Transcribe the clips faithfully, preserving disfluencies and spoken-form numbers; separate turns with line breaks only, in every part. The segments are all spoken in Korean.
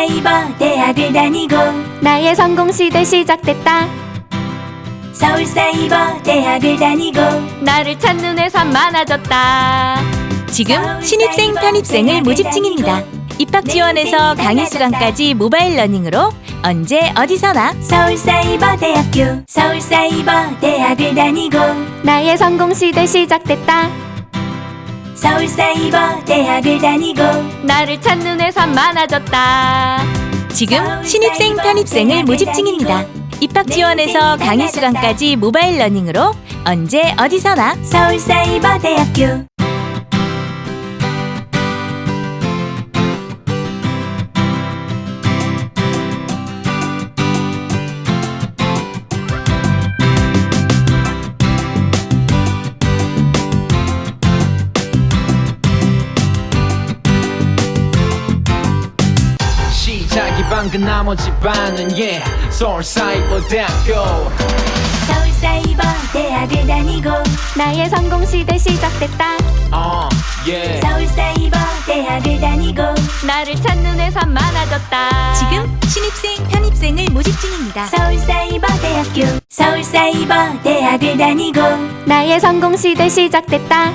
서울사이버 대학을 다니고
나의 성공시대 시작됐다.
서울사이버 대학을 다니고
나를 찾는 회사 많아졌다.
지금 신입생 편입생을 모집 중입니다. 입학 지원에서 강의 수강까지 모바일 러닝으로 언제 어디서나
서울사이버 대학교 서울사이버 대학을 다니고
나의 성공시대 시작됐다.
서울사이버 대학을 다니고
나를 찾는 회사 많아졌다.
지금 신입생 편입생을 모집 중입니다. 입학 지원에서 강의 수강까지 모바일 러닝으로 언제 어디서나
서울사이버 대학교
시작이 방금 나머지 반은 yeah 서울사이버 대학교
서울사이버 대학을 다니고
나의 성공시대 시작됐다.
어 yeah
서울사이버 대학을 다니고
나를 찾는 회사 많아졌다.
지금 신입생 편입생을 모집 중입니다.
서울사이버 대학교 서울사이버 대학을 다니고
나의 성공시대 시작됐다.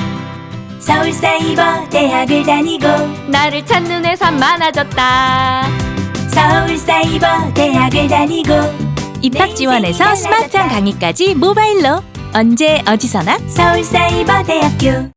서울사이버 대학을 다니고
나를 찾는 회사 많아졌다.
서울사이버 대학을 다니고
입학 지원에서 스마트한 강의까지 모바일로 언제 어디서나
서울사이버 대학교